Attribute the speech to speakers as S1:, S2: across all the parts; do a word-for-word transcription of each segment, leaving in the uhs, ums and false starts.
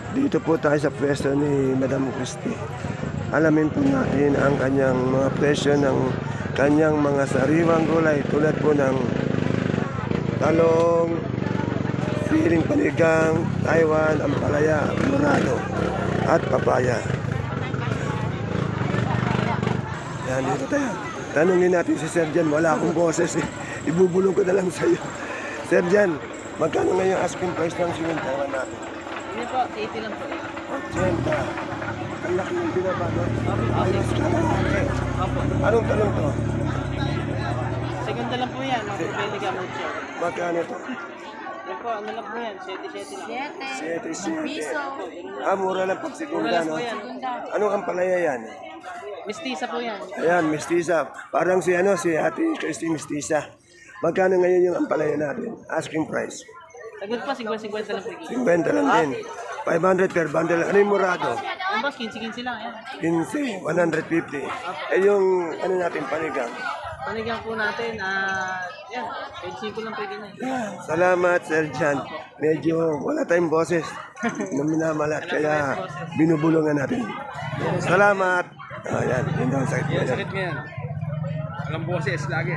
S1: Dito po tayo sa pwesto ni Madam Christie. Alamin po natin ang kanyang mga presyo ng kanyang mga sariwang gulay tulad po ng talong, siling panigang, Taiwan, ampalaya, murado at papaya. Yan, dito tayo. Tanungin natin si Sir Jan. Wala akong boses eh. Ibubulong ko na lang sa iyo. Sir Jan, magkano ngayon asking price ng siling Taiwan natin?
S2: Hindi po, eighty lang po.
S1: eighty. Ang laki ng binaba, no? Ayos ka lang.
S2: Opo.
S1: Anong talong to?
S2: Segunda lang po yan, mga Propelica mucho.
S1: Magkano to?
S2: Yan po, ano lang po yan, seventy seventy lang.
S1: Sete, sete. Ah, mura lang pag
S2: Mura
S1: segunda,
S2: lang
S1: no?
S2: po yan.
S1: Anong ampalaya yan?
S2: Mistisa po yan.
S1: Ayan, mestiza. Parang si ano, si Ate Christy mestiza. Magkano ngayon yung ampalaya natin? Asking price.
S2: Sagot po, fifty fifty lang po.
S1: fifty lang din. five hundred per bundle. Ano yung murado?
S2: Ang boss, fifty fifty lang yan.
S1: fifteen, one fifty. Eh yung ano natin, panigang.
S2: Panigang po natin, ah, yan, twenty-five lang pwede na yan.
S1: Yan. Salamat, Sir Jan. Medyo wala tayong boses na minamalat, kaya binubulungan natin. Salamat. Ayan, yun daw ang sakit
S3: Yan,
S1: ngayon.
S3: sakit ngayon. Walang boses lagi.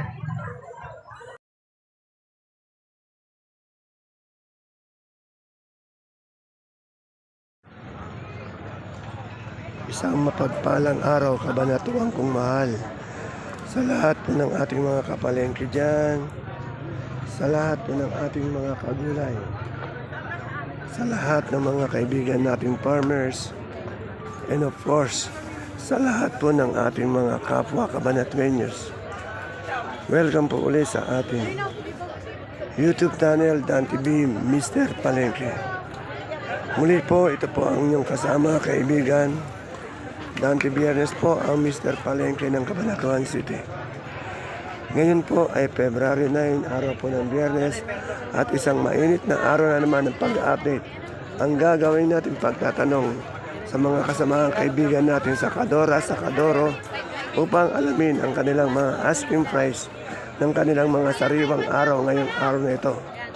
S1: Isang mapagpalang araw, kabanatuang kong mahal. Sa lahat po ng ating mga kapalengke dyan, sa lahat po ng ating mga kagulay, sa lahat ng mga kaibigan nating farmers, and of course, sa lahat po ng ating mga kapwa kabanatuenyos. Welcome po ulit sa ating YouTube channel, Dan T V, Mister Palengke. Muli po, ito po ang inyong kasama, kaibigan, Dante Biernes po ang Mister Palengke ng Cabanatuan City. Ngayon po ay February nine, araw po ng Biyernes, at isang mainit na araw na naman ng pag-update. Ang gagawin natin pagtatanong sa mga kasamaang kaibigan natin sa Kadora, sa Kadoro, upang alamin ang kanilang mga asking price ng kanilang mga sariwang araw ngayong araw na ito.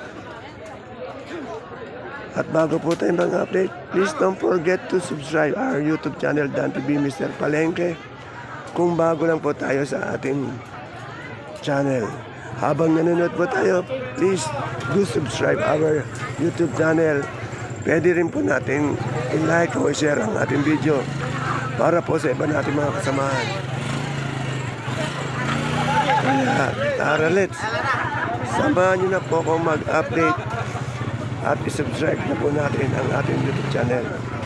S1: At bago po tayo mag-update, please don't forget to subscribe our YouTube channel, Dan T V, Mister Palengke. Kung bago lang po tayo sa ating channel. Habang nanonood po tayo, please do subscribe our YouTube channel. Pwede rin po natin i-like o i-share ang ating video para po sa iba nating mga kasamahan. Kaya, tara let's. Samahan nyo na po akong mag-update at isubscribe na po natin ang ating YouTube channel.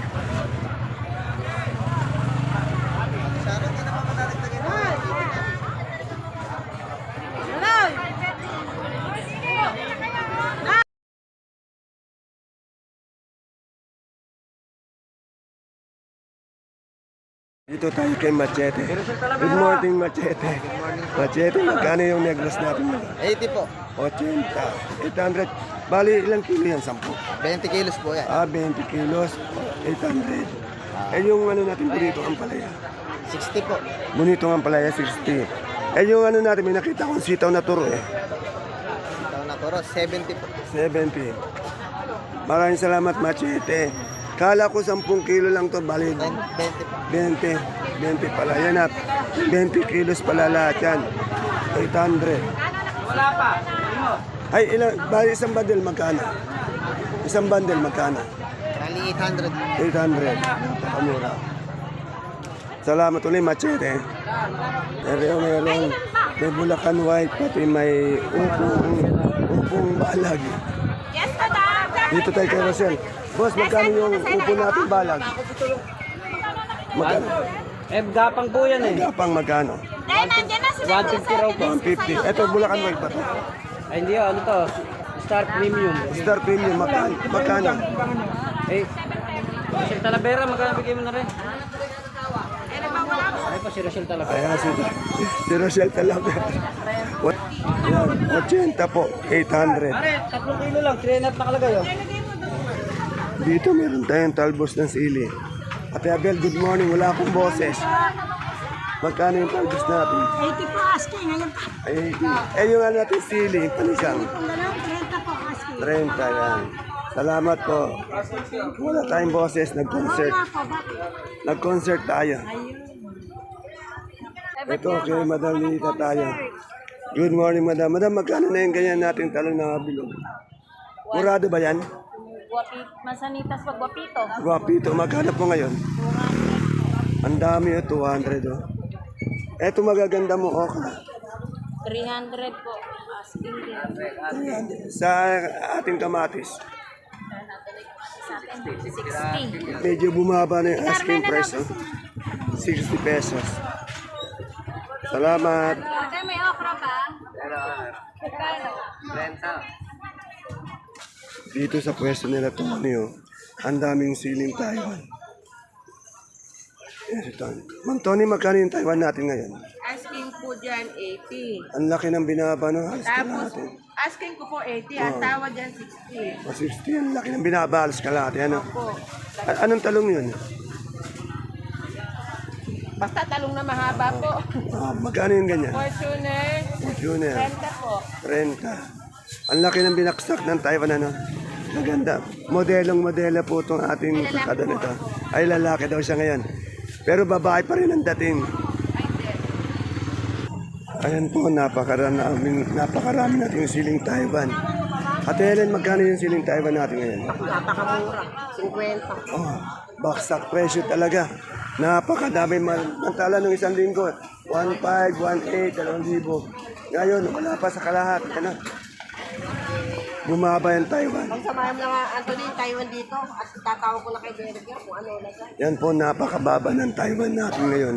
S1: Dito tayo kay Machete. Good morning, Machete. Machete, magkano yung negros natin?
S4: eighty po.
S1: eighty. eight hundred. Bali, ilang kilo yan? Sampu.
S4: twenty kilos po yan.
S1: Ah, twenty kilos. eight hundred. Eh, yung ano natin burrito, ang palaya.
S4: sixty po.
S1: Bonito ang palaya, sixty. Eh, yung ano natin, may nakita kong sitaw na turo eh.
S4: Ito na toro, seventy po.
S1: seventy. Maraming salamat, Machete. Kala ko ten kilo lang to, bali
S4: twenty po.
S1: twenty. twenty pala. Yan at twenty kilos pala lahat yan. eight hundred.
S2: Wala pa.
S1: Ay, ilang, bali isang bundle magkano? Isang bundle magkano?
S4: Rally eight hundred.
S1: eight hundred. Napakamura. Salamat ulit, Machete. Pero meron, may Bulacan White, pati may upong, upong balag.
S5: Yes, madam.
S1: Dito tayo kay Rosel. Boss, magkano yung upo natin balag? Magkano?
S2: Eh, gapang po yan eh.
S1: Gapang magkano?
S5: Dahil nandiyan na sila.
S2: one fifty raw po.
S1: one fifty. Ito, Bulacan White ba to?
S2: Ay, hindi oh, ano to? Star Premium.
S1: Star Premium, magkano? Magkano?
S2: Eh, si Talavera, magkano bigay mo na rin? Ay pa, si Rachel Talavera.
S1: Ayan, si, si Rosel talaga. What? Yan, eighty po, eight hundred.
S2: Pare, tatlong kilo lang, three and a half nakalagay oh.
S1: Dito meron tayong talbos ng sili. Ate Abel, good morning. Wala akong boses. Magkano yung talbos natin?
S5: eighty po asking. Ngayon pa.
S1: Ay, eh yung ano natin sili, yung panisang.
S5: Kung gano'n, thirty po asking.
S1: thirty yan. Salamat po. Wala tayong boses, nag-concert. Nag-concert tayo. Ito kay Madam Lita tayo. Good morning, Madam. Madam, magkano na yung ganyan nating talong na bilog? Murado ba yan?
S5: Guapi, masanitas pag guapito.
S1: Guapito, magkano po ngayon? Ang dami oh, two hundred oh. Eto magaganda mo, okay.
S5: three hundred po. Asking din.
S1: Sa ating kamatis.
S5: Sa atin, sixty.
S1: Medyo bumaba na yung asking price. Oh. sixty pesos. Salamat.
S5: Okay, may okra pa?
S1: Dito sa pwesto nila Tony, oh, ang daming siling Taiwan. Yes, ito. Ma'am Tony, magkano yung Taiwan natin ngayon?
S6: Asking po dyan, eighty.
S1: Ang laki ng binaba no? Halos ka
S6: Tapos,
S1: natin.
S6: asking ko po eighty. Ang tawad dyan, sixty.
S1: O sixty, ang laki ng binaba. Halos ka natin. Ano?
S6: Po.
S1: A- anong talong yun?
S6: Basta talong na mahaba po.
S1: Ah, magkano yung ganyan?
S6: Fortuner,
S1: Fortuner.
S6: renta po.
S1: Renta. Ang laki ng binaksak ng Taiwan, ano? Maganda. Modelong modela po itong ating kakada nito. Ay, lalaki daw siya ngayon. Pero babae pa rin ang dating. Ayan po, napakarami, napakarami natin yung siling Taiwan. Ate Helen, magkano yung siling Taiwan natin ngayon?
S6: Napakamura. fifty.
S1: Oh, baksak presyo talaga. Napakadami man. Mantala nung isang linggo, one five, one eight, two thousand. Ngayon, wala pa sa kalahat. Ano? Bumaba yung Taiwan.
S6: Pag samahan na nga, Anthony, Taiwan dito. At tatawag ko na kay Derek yan kung ano ilagay.
S1: Yan po, napakababa ng Taiwan natin ngayon.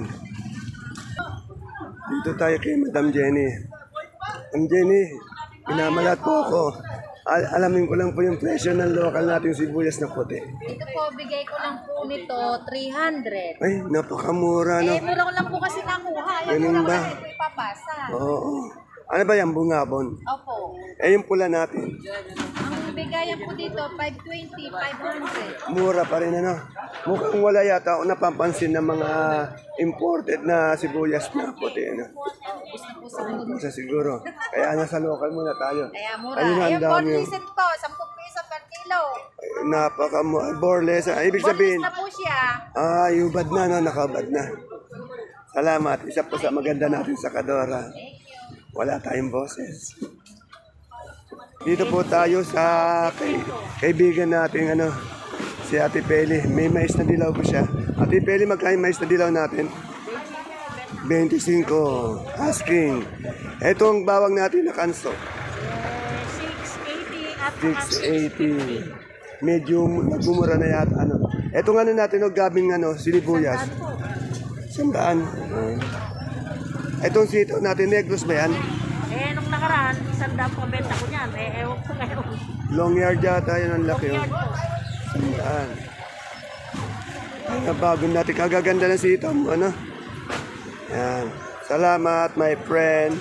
S1: Dito tayo kay Madam Jenny. Madam Jenny, pinamalat po ako. Al- alamin ko lang po yung presyo ng local natin sibuyas na puti.
S5: Ito po, bigay ko lang po nito, three hundred.
S1: Ay, napakamura, no?
S5: Eh, mura ko lang po kasi nakuha. Yan
S1: Ganun
S5: mura ko
S1: ba?
S5: lang ito ipapasa.
S1: Oo. Ano ba yan, bungabon?
S5: Opo.
S1: Eh, yung pula natin.
S5: Ang bigayan po dito, five twenty, five hundred.
S1: Mura pa rin, ano? Mukhang wala yata ako napapansin ng mga imported na sibuyas na puti, ano? Isa siguro. Kaya nasa local muna tayo.
S5: Kaya mura.
S1: Ayun, ang
S5: Ayun,
S1: dami.
S5: bonliset po, ten piso per kilo.
S1: Ay, napaka borles. Ah, ibig sabihin,
S5: Bonlis na po siya.
S1: ah, yubad na, no? Nakabad na. Salamat. Isa po sa maganda natin sa Kadora. Wala tayong boses. Dito po tayo sa kay, kaibigan natin, ano, si Ate Peli. May mais na dilaw po siya. Ate Peli, magkain mais na dilaw natin? twenty-five. Asking. Ito ang bawang natin na kanso.
S5: six eighty at
S1: six eighty. Medyo nagmumura na yata. Ano. Ito nga ano natin, no, gabing ano, sinibuyas. Sandaan. Uh, Itong sito natin, negros ba yan?
S5: Eh, nung nakaraan, isang daan po benta ko niyan. Eh, ewan ko ngayon.
S1: Long yard yata yun ang laki. Oh. Sandaan. Ay, nabago natin. Kagaganda na sito. Ano? Yan. Salamat, my friend.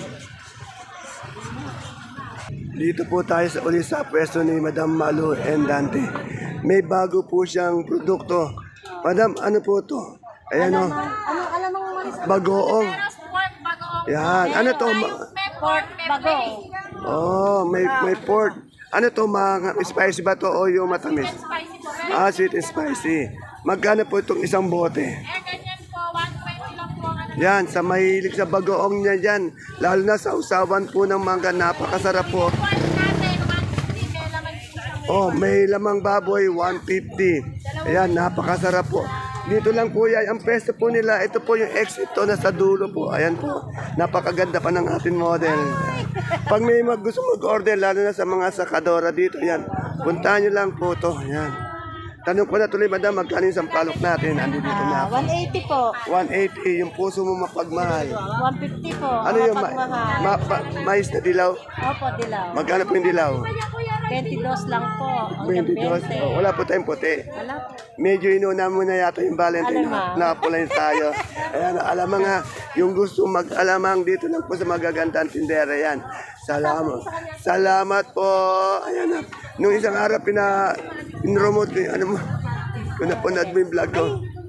S1: Dito po tayo sa uli sa pwesto ni Madam Malu and Dante. May bago po siyang produkto. Madam, ano po to? Ayan o.
S5: Ano, alam mo mo?
S1: Bagoong.
S5: Pork bago.
S1: Yan. Ano to? Ma-
S5: Pork bago.
S1: oh, may, may pork. Ano to? Mga spicy ba to o yung matamis?
S5: Spicy po.
S1: Ah, sweet and spicy. Magkano po itong isang bote?
S5: Eh, ganyan po, one twenty lang po. Ano,
S1: Yan, sa mahilig sa bagoong niya dyan. Lalo na sa usawan po ng mangga, napakasarap po.
S5: pork natin, one fifty. May laman po siyang
S1: Oh, may lamang baboy, one fifty. Ayan, napakasarap po. Dito lang po yan, ang pesto po nila, ito po yung exit to na sa dulo po. Ayan po, napakaganda pa ng ating model. Pag may mag gusto mag-order, lalo na sa mga sakadora dito, yan. Puntahan nyo lang po to, yan. Tanong ko na tuloy, madam, magkano yung sampalok natin? Andi dito na ako.
S5: one eighty po.
S1: one eighty, yung puso mo mapagmahal.
S5: one fifty po.
S1: Ano yung ma- ma- ma- mais na dilaw?
S5: Opo, dilaw.
S1: Magkano po yung dilaw?
S5: twenty-two lang po. Hanggang
S1: twenty-two.
S5: twenty.
S1: Oh, wala po tayong puti.
S5: Wala po.
S1: Medyo inuna mo na yata yung Valentine.
S5: Alamang.
S1: Nakapulayin tayo. Ayan, alamang nga. Yung gusto mag-alamang dito lang po sa magagandang tindera yan. Salamat. Salamat po. Ayan na. Nung isang araw, pina, pinromote ko yung ano mo. Kung napunod mo yung vlog ko.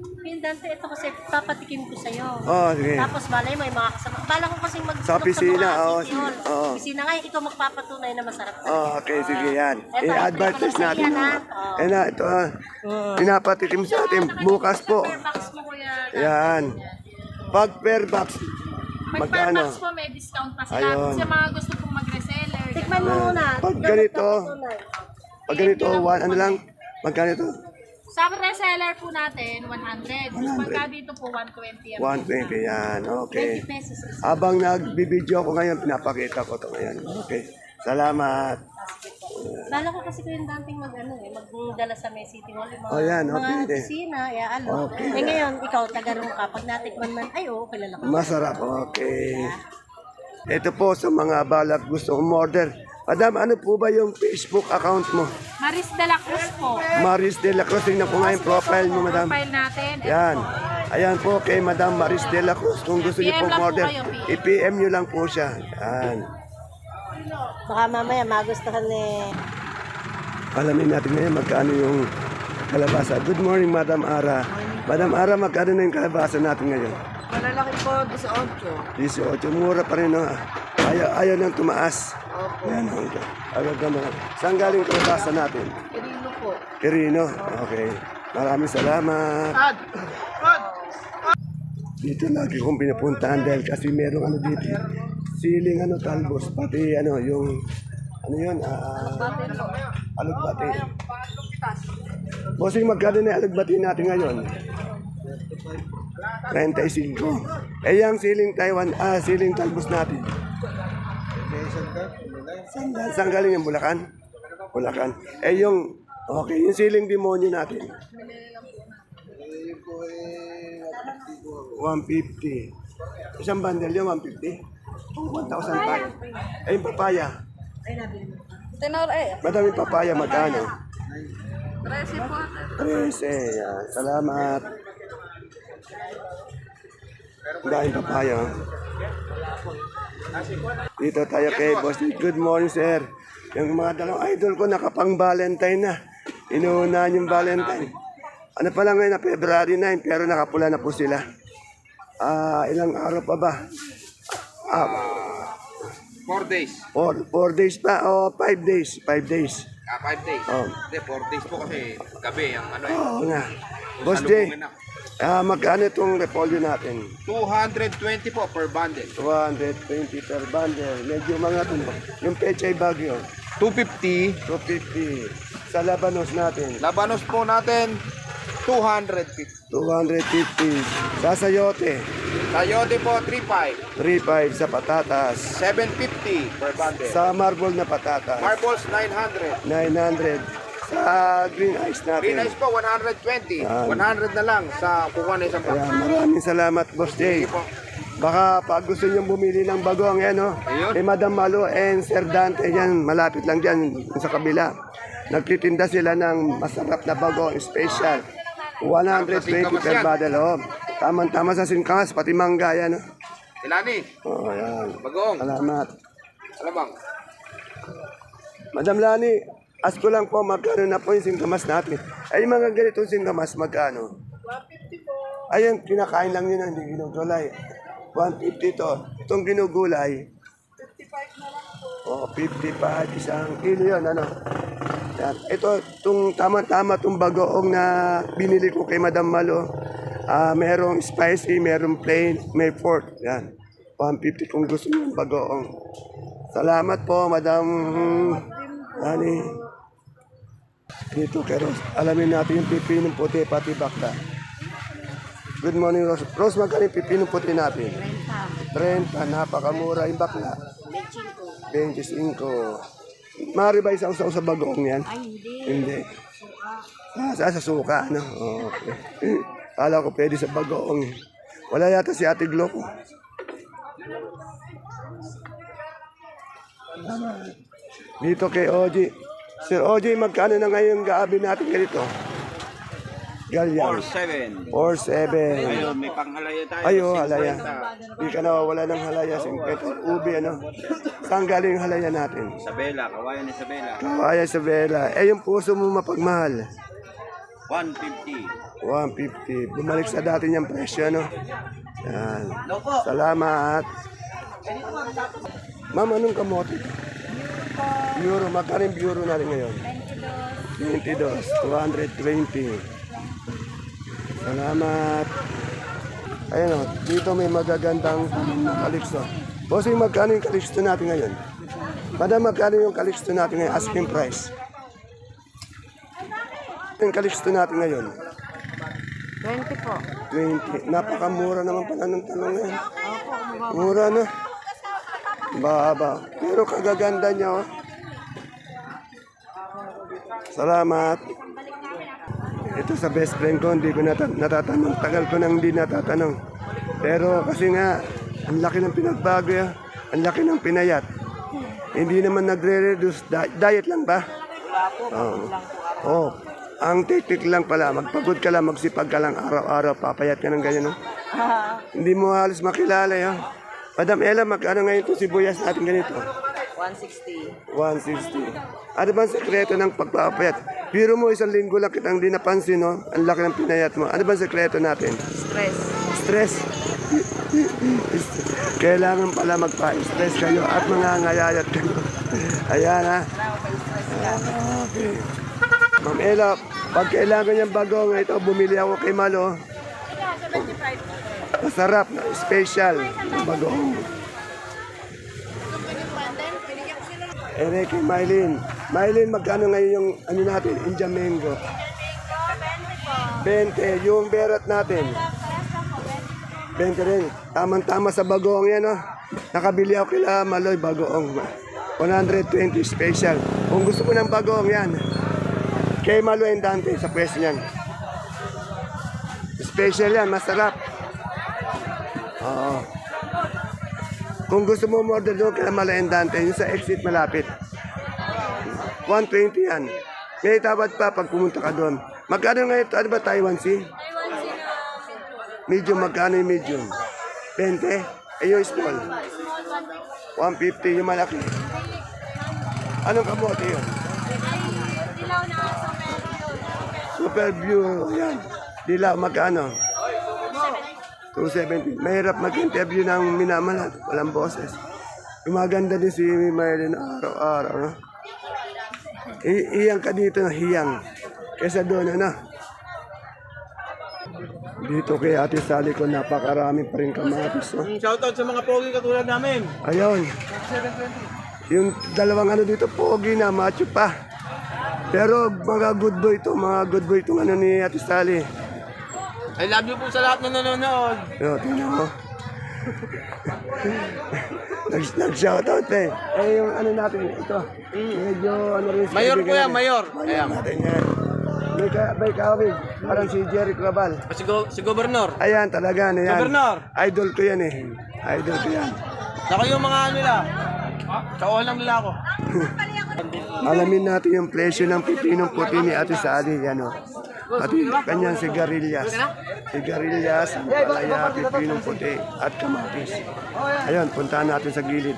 S6: Dante, ito kasi papatikim ko sa'yo.
S1: Oh, sige.
S6: Tapos malay mo, yung mga kasama. Bala ko kasi mag
S1: Sa opisina, oo,
S6: City Hall.
S1: oo.
S6: Opisina nga, ikaw magpapatunay na masarap talaga.
S1: Oh, okay, sige yan.
S6: Eto,
S1: I-advertise
S6: ito ko lang
S1: natin.
S6: sa iyan,
S1: Oh.
S6: ha? Oo.
S1: Eh na, ito ah. Pinapatikim sa atin. Bukas po.
S5: Per box mo kuya.
S1: Yan. Pag per box,
S5: Pag per
S1: magkano?
S5: box po may discount pa sila.
S1: Ayun.
S5: Sa mga gusto pong mag-reseller.
S6: Tikman mo muna.
S1: Pag
S6: Ikaw
S1: ganito,
S6: magpapatunay.
S1: pag ganito, one, ano lang, magkano ito?
S5: Sa reseller po natin, one hundred.
S1: one hundred.
S5: Pagka dito po, one twenty.
S1: one twenty yan, okay.
S6: twenty pesos.
S1: Habang nagbibideo ko ngayon, pinapakita ko ito ngayon. Okay. Salamat.
S6: Bala ko kasi ko yung dating mag ano eh, magdala sa May City Hall. Yung mga,
S1: Oh, yan,
S6: mga
S1: okay, eh.
S6: opisina, ya ano.
S1: Okay.
S6: Eh ngayon, ikaw, taga-roon ka. Pag natikman man, ay oo, kilala ko.
S1: Masarap, okay. Ito po sa mga balak gusto umorder. Madam, ano po ba yung Facebook account mo?
S5: Maris de la Cruz po.
S1: Maris de la Cruz. Tingnan ko nga yung profile mo, madam.
S5: Profile natin.
S1: Yan. Ayan po kay Madam Maris de la Cruz. Kung gusto niyo
S5: P M
S1: pong
S5: lang po
S1: order,
S5: kayo, P M.
S1: i-P M nyo lang po siya. Yan.
S6: Baka mamaya magustuhan eh.
S1: Alamin natin ngayon magkano yung kalabasa. Good morning, Madam Ara. Madam Ara, magkano na yung kalabasa natin ngayon?
S2: Malalaki po, eighteen.
S1: eighteen. Mura pa rin, no? Ayaw, ayaw nang tumaas. Yan, okay. Agad naman. Saan galing kalabasa natin?
S2: Kirino po.
S1: Quirino. Okay. Maraming salamat.
S2: Ad! Ad!
S1: Dito lagi kong pinapuntahan dahil kasi merong ano dito. Siling ano talbos. Pati ano yung ano yun? Uh, alugbati. Bossing, magkano na yung alugbati natin ngayon? thirty-five. Eh yung siling Taiwan, ah, siling talbos natin. Saan, saan galing yung Bulacan? Bulacan. Eh yung, okay, yung siling demonyo natin. one fifty. Isang bundle yun, one fifty. one thousand five. Eh, yung papaya. Madaming papaya, magkano? trese. Yan. Salamat. Ang daming papaya. oh. Dito tayo kay Boss. Good morning, sir. Yung mga dalawang idol ko nakapang Valentine na. Inuunahan yung Valentine. Ano pa lang ngayon na February nine, pero nakapula na po sila. Ah, ilang araw pa ba? Ah,
S3: Four days.
S1: four, four days pa o five days? Five days.
S3: Ah, five days.
S1: Oh.
S3: Hindi, four days po kasi gabi ang ano eh.
S1: Oo nga. Boss Jay,
S3: Salubungin na.
S1: ah, magkano itong repolyo natin?
S3: two hundred twenty po per bundle.
S1: two hundred twenty per bundle. Medyo mga ito. Yung pechay bagyo,
S3: two fifty.
S1: two fifty. Sa labanos natin,
S3: Labanos po natin, two hundred fifty.
S1: two hundred fifty. Sa sayote,
S3: Sayote po, three five.
S1: three five sa patatas.
S3: seven fifty per bundle.
S1: Sa marble na patatas,
S3: Marbles, nine hundred.
S1: nine hundred. Sa green ice
S3: Green
S1: natin.
S3: ice po, one hundred twenty.
S1: Yan.
S3: one hundred na lang sa kukuha na isang box.
S1: Ayan, maraming salamat, Boss Jay. Baka pag gusto nyo bumili ng bagong yan, no?
S3: Ayun.
S1: Eh, Madam Malo and Sir Dante, yan, malapit lang dyan sa kabila. Nagtitinda sila ng masarap na bagong special. one hundred twenty per bottle, oh. Tama-tama sa singkangas, pati mangga yan, no?
S3: Ilani,
S1: Oh, yan.
S3: bagong.
S1: Salamat.
S3: Ano bang?
S1: Madam Lani, ask ko lang po, magkano na po yung singkamas natin? Ay, yung mga ganitong singkamas, magkano? one fifty po. Ayun, kinakain lang yun, hindi ginugulay. one fifty to. Itong ginugulay, fifty-five na lang po. Oh, fifty-five, isang kilo yun, ano? Yan. Ito, itong tama-tama, itong bagoong na binili ko kay Madam Malo. Ah, merong spicy, merong plain, may pork. Yan. one fifty kung gusto nyo yung bagoong. Salamat po, Madam Lani. Dito kay Rose. Alamin natin yung pipinong puti, pati bakla. Good morning, Rose. Rose, magkano yung pipinong puti natin? thirty. Napakamura yung bakla. twenty-five. Mari ba isang sa bagoong yan?
S6: Ay, hindi.
S1: Hindi. Ah, sa, sa suka, ano? Oh, okay. Kala ko pwede sa bagoong. Wala yata si Ate Glo ko. Dito kay Oji. Sir Oji, magkano na ngayon gaabi natin ganito? Galyang.
S3: seven.
S1: four seven.
S3: Ayun, may panghalaya tayo.
S1: Ayo, halaya. Di ka nawawala ng halaya. fifty. Ubi, ano? Saan galing yung halaya natin?
S3: Isabela, kawayan Isabela.
S1: Kaya Isabela. Eh, yung puso mo mapagmahal.
S3: one fifty.
S1: one fifty. Bumalik sa dati niyang presyo, no? Yan. Salamat. Ma'am, anong kamote? Euro. Magkano yung euro natin ngayon? twenty-two. two twenty. Salamat. Ayun o, dito may magagandang kalikso. Bossing, magkano yung kalikso natin ngayon? Madam, magkano yung kalikso natin ngayon? Asking price. Yung kalikso natin ngayon?
S6: twenty po.
S1: twenty. Napakamura naman pala ng talong ngayon. Mura na. Baba. Pero kagaganda niya, oh. Salamat. Ito sa best friend ko, hindi ko nata- natatanong. Tagal ko nang hindi natatanong. Pero kasi nga, ang laki ng pinagbago ya. Ang laki ng pinayat. Hindi naman nagre-reduce. Di- diet lang ba? Oo. Oh. Ang teknik lang pala, magpagod ka lang, magsipag ka lang araw-araw, papayat ka ng ganyan, no? Hindi mo halos makilala, yun. Madam Ella, magkano ngayon ito sibuyas natin ganito?
S2: one sixty.
S1: one sixty. Ano ba ang sekreto ng pagpapayat? Biro mo isang linggo lang kitang di napansin, no? Ang laki ng pinayat mo. Ano ba ang sekreto natin?
S2: Stress.
S1: Stress. Kailangan pala magpa-stress kayo at mangangayayat kayo. Ayan, ha? Ah, okay. Ma'am Ella, pag kailangan niyang bagong ito, bumili ako kay Malo. Masarap, na special, bagong. Eh, kay Mylene. Mylene, magkano ngayon yung ano natin, Indian mango? twenty. Yung berat natin. twenty rin. Tamang-tama sa bagoong yan, oh. Nakabili ako kila Maloy, bagoong. one twenty special. Kung gusto mo ng bagoong yan, kay Malo and Dante sa pwesto niyan. Special yan, masarap. Oo. Kung gusto mo order doon kay Malo and Dante, yung sa exit malapit. one twenty yan. May tawad pa pag pumunta ka doon. Magkano ngayon ito? Ano ba Taiwan Sea? Medium, magkano yung medium? twenty? Eh yung small? one fifty yung malaki. Anong kamote yun? Super view, yan. Dilaw, magkano? two seventy. Mahirap mag-interview ng minamalat. Walang boses. Gumaganda din si Maylin araw-araw, no? I- iyang ka dito na hiyang. Kesa doon, ano? Dito kay Ate Sally ko, napakarami pa rin kamatis, no?
S2: Shoutout sa mga pogi katulad namin.
S1: Ayun. Yung dalawang ano dito, pogi na, macho pa. Pero mga good boy to, mga good boy itong ano ni Ate Sally.
S2: I love you po sa lahat na nanonood.
S1: Yo, tingnan mo. Nag- Nag-shoutout eh. Eh, yung ano natin, ito. Medyo ano rin. sa
S2: Mayor po
S1: kaibigan
S2: yan,
S1: natin.
S2: mayor.
S1: Mayor
S2: Ayan.
S1: natin yan. May, ka, may kawig. Parang si Jerry Crabal.
S2: Si, go, si Governor.
S1: Ayan, talaga na yan.
S2: Gobernador.
S1: Idol ko yan eh. Idol ko yan.
S2: Saka yung mga ano nila. Kauhan lang nila ako.
S1: Alamin natin yung presyo ng pipinong puti ni Ate Sally. Yan o. Pati kanyang sigarilyas. Sigarilyas, palaya, pipinong puti at kamatis. Ayun, puntahan natin sa gilid.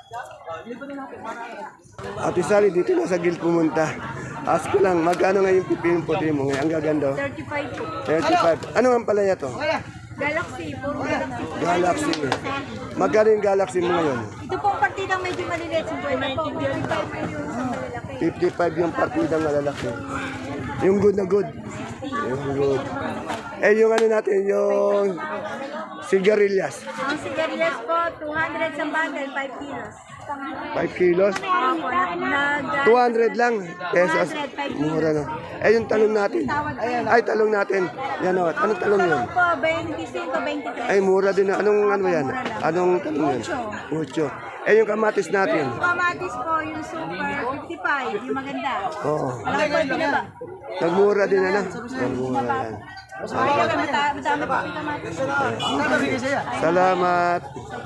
S1: Ate Sally, dito na sa gilid pumunta. Ask ko lang, magkano nga yung pipinong puti mo ngayon? Ang gaganda. oh.
S5: thirty-five po.
S1: thirty-five. Ano ang palaya to?
S5: Galaxy, puro Galaxy.
S1: Galaxy. Magkano yung Galaxy mo ngayon?
S5: Ito pong partidang medyo maliliit. fifty po. fifty-five po yung sa malalaki.
S1: fifty-five yung partidang malalaki. Yung good na good. Yung good. Eh, yung ano natin, yung sigarilyas.
S5: Ang sigarilyas po, two hundred sa bundle, five kilos.
S1: five kilos.
S5: Opo, nag... nag-
S1: two hundred lang. Pesos. Mura no. Eh, yung talong natin. Ay, talong natin. Yan o. Anong talong yun?
S5: Talong po, twenty-five, twenty-three.
S1: Ay, mura din. Anong ano yan? Anong talong yan? Mucho. Eh, yung kamatis natin.
S5: Kamatis po, yung super, fifty-five, yung maganda.
S1: Oo.
S5: Alam po, pinaba.
S1: Nagmura din ano? Nagmura yan.
S5: Ay, mata- madami po yung kamatis.
S1: Salamat.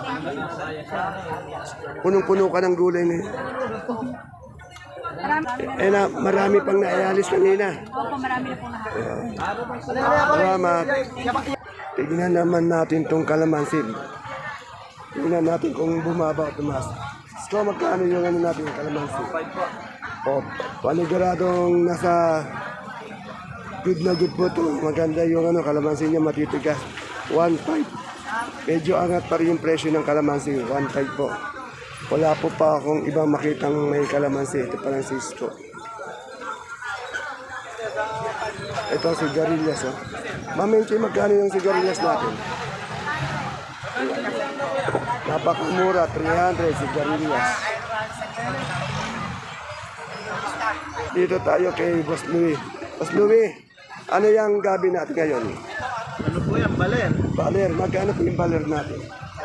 S1: Punong-puno ka ng gulay na yun.
S5: Marami,
S1: Eh na, marami pang naialis kanina.
S5: opo, marami na po lahat.
S1: Salamat. Tignan naman natin tong kalamansi. Tignan natin kung bumaba o tumas. So, magkano yung ano natin yung kalamansi? O, paniguradong nasa Good na good po to. Maganda yung ano, kalamansi niya matitigas. one five. Medyo angat pa rin yung presyo ng kalamansi. one five po. Wala po pa akong ibang makitang may kalamansi. Ito parang Cisco. Ito ang sigarilyas. Oh. Mamenche, magkano yung sigarilyas natin? Napakamura, three hundred sigarilyas. Dito tayo kay Boss Louie. Boss Louie, ano yung gabi natin ngayon?
S2: Ano po yan, baler?
S1: Baler, magkano po yung baler natin?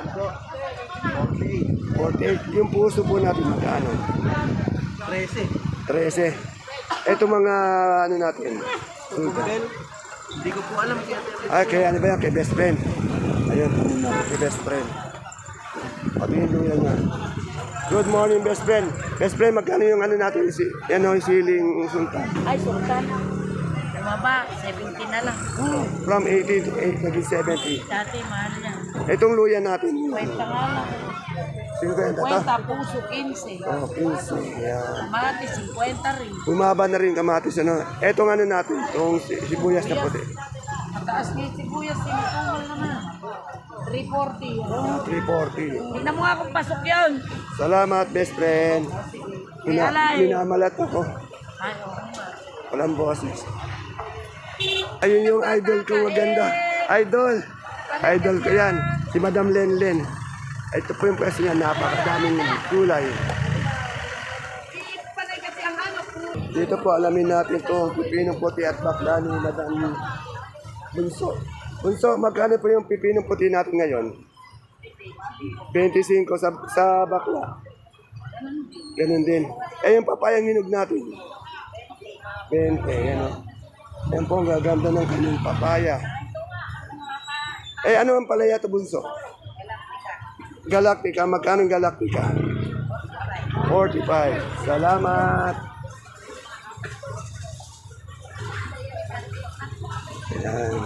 S1: forty-eight. Yung puso po natin magkano?
S2: trese.
S1: thirteen. Ito mga ano natin? Sultan.
S2: Hindi ko po alam kaya.
S1: Ay, kaya ano ba yan? Kay best friend. Ayun, ano na, kay best friend. Pati yung luya niya. Good morning, best friend. Best friend, magkano yung ano natin? Si, yan o, yung siling sultan.
S5: Ay, sultan. Bumaba, seventy na lang.
S1: From eighty to eight, naging seventy.
S5: Dati, mahal yan.
S1: Itong luya natin.
S5: Kwenta nga lang.
S1: fifty to?
S5: Kwenta, puso, fifteen.
S1: Oh, fifteen. Yan.
S5: Kamati, fifty rin.
S1: Bumaba na rin kamatis. Ano. Etong ano natin, itong si- sibuyas na puti.
S5: Mataas ni sibuyas, sinutungal naman. three forty.
S1: Ah, three forty.
S5: Tingnan mo nga kung pasok yun.
S1: Salamat, best friend. Mina,
S5: Alay.
S1: minamalat ako.
S5: Ay, oo nga.
S1: Walang boses. Ayun yung idol ko maganda. Idol. Idol ko yan. Si Madam Lenlen. Ito po yung pwesto niya. Napakadaming kulay. Dito po alamin natin ito. Pipinong puti at bakla ni Madam Bunso. Bunso, magkano po yung pipinong puti natin ngayon? twenty-five sa, sa bakla. Ganun din. Eh yung papayang hinog natin. twenty, yan o. Yan po ang gaganda ng kanyang papaya. Eh, ano ang palaya ito, Bunso? Galactica. Magkano ang Galactica? forty-five. Salamat. Ayan.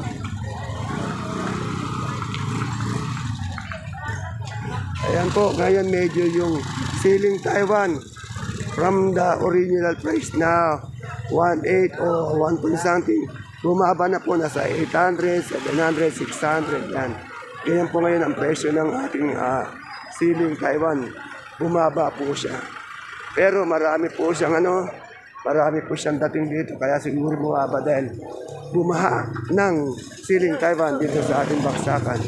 S1: Ayan po, ngayon medyo yung siling Taiwan from the original price na one eight o one point something. Bumaba na po, nasa eight hundred, seven hundred, six hundred. Yan. Ganyan po ngayon ang presyo ng ating ah, siling Taiwan. Bumaba po siya. Pero marami po siyang ano, marami po siyang dating dito. Kaya siguro bumaba dahil bumaha ng siling Taiwan dito sa ating baksakan.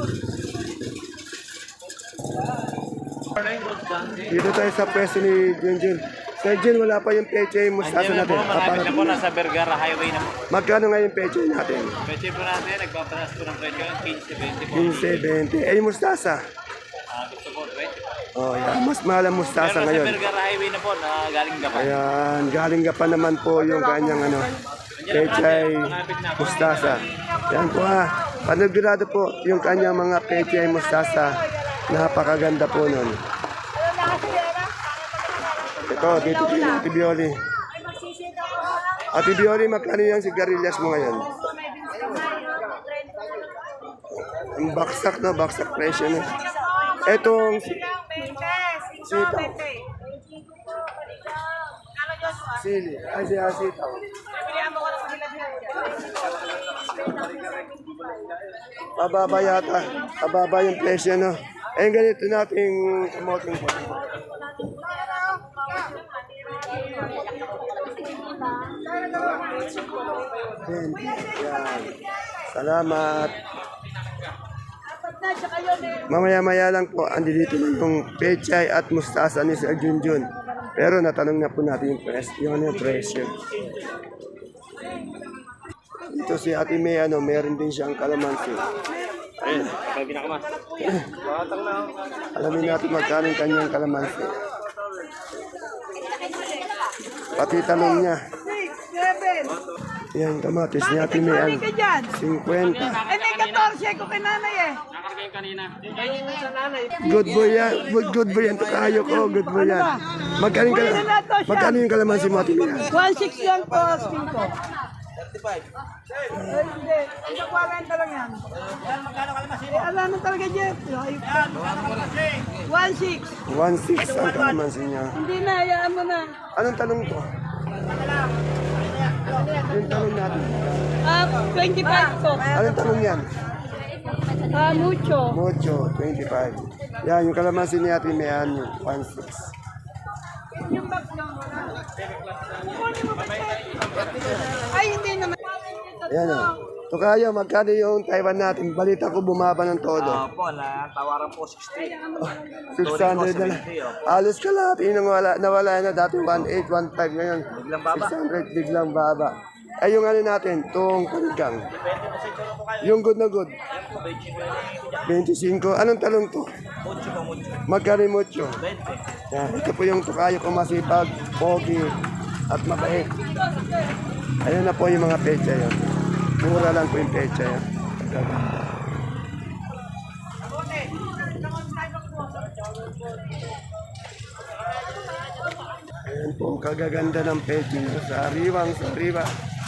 S1: Dito tayo sa pwesto ni Junjun. Sir Jun, wala pa yung peche mustasa
S2: Andiyan na po,
S1: natin.
S2: malapit
S1: Aparat
S2: na po, nasa Vergara Highway na po.
S1: Magkano nga yung peche natin?
S2: Pwede po natin, nagpapanas po ng presyo ng fifteen twenty po.
S1: fifteen, twenty. Eh, yung mustasa.
S2: Ah, gusto po, twenty.
S1: Oh, yeah. Mas mahal ang mustasa
S2: Pero nasa
S1: ngayon.
S2: Vergara Highway na po, na galing Gapan.
S1: Ayan, galing ka pa naman po yung kanyang ano, pechay mustasa. Yan po ha. Panagurado po yung kanyang mga pechay mustasa. Napakaganda po nun. Ito, dito kay Ate Bioli. Ate Bioli, magkano yung sigarilyas mo ngayon? Ang baksak na, baksak presyo na. Etong sitaw. Sili. Ay, siya sitaw. Pababa yata. Pababa yung presyo, no? Eh, ganito nating kamoting po. Yan. Salamat. Mamaya-maya lang po, andi dito na yung pechay at mustasa ni Sir Junjun. Pero natanong na po natin yung presyo. Yung yung presyo. Dito si Ate May, ano, meron din siyang kalamansi.
S2: Ayun, sabi na ka ma.
S1: Alamin natin magkano yung kanyang kalamansi. Pati talong niya. Yan, kamatis niya. Ate May, ano, fifty.
S6: Eh, may fourteen ko kay nanay eh.
S2: Nakargay kanina.
S1: Good boy yan. Good, good boy yan. Tukayo ko. Good boy yan. Magkano yung, kal- magkano yung kalamansi mo, Ate May?
S6: one six yan po, asking ko. Eh, hindi. Isa forty lang yan. Eh, alam mo talaga, Jeff. one six.
S1: one six ang kalamansi niya.
S6: Hindi na, hayaan mo na.
S1: Anong tanong to? Yung talong natin.
S5: Ah, twenty-five po.
S1: Anong talong yan?
S5: Ah, mucho.
S1: Mocho, twenty-five. Yan, yung kalamansi ni Ate Mayan, yung one six.
S5: Ay, hindi naman.
S1: Ayan o. Tukayo, magkano yung Taiwan natin? Balita ko bumaba ng todo.
S2: Opo, na tawaran po sixty.
S1: six hundred na lang. Alos ka lahat. Yung nawala, nawala na dati one eight, one five ngayon.
S2: Biglang baba.
S1: six hundred, biglang baba. Ay, yung ano natin, itong panigang. Yung good na good. twenty-five. Anong talong to?
S2: Mucho po, mucho.
S1: Magkano yung mucho?
S2: twenty.
S1: Yan, ito po yung tukayo ko masipag, pogi, at mabait. Ayun na po yung mga pecha yun. Mura lang po yung pecha yun. Gaganda. Ayan po, ang kagaganda ng pecha nyo sa ariwang, sa ariwa.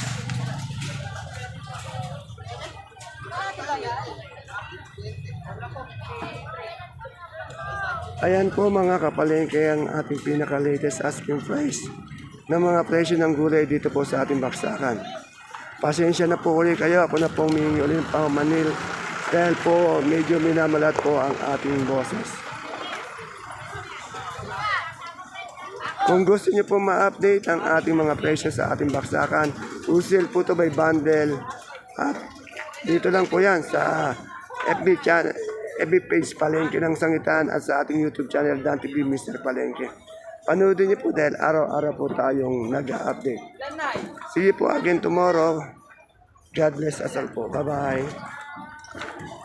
S1: Ayan po mga kapalengke ang ating pinaka-latest asking price ng mga presyo ng gulay dito po sa ating baksakan. Pasensya na po ulit kayo. Ako na pong humingi ulit ng pamamanil dahil po medyo minamalat po ang ating boses. Kung gusto niyo po ma-update ang ating mga presyo sa ating baksakan, usil po ito by bundle. At dito lang po yan sa F B channel, F B page Palengke ng Sangitan at sa ating YouTube channel Dan T V Mister Palengke. Panoodin niyo po dahil araw-araw po tayong nag-update. See you po again tomorrow. God bless us all po. Bye-bye.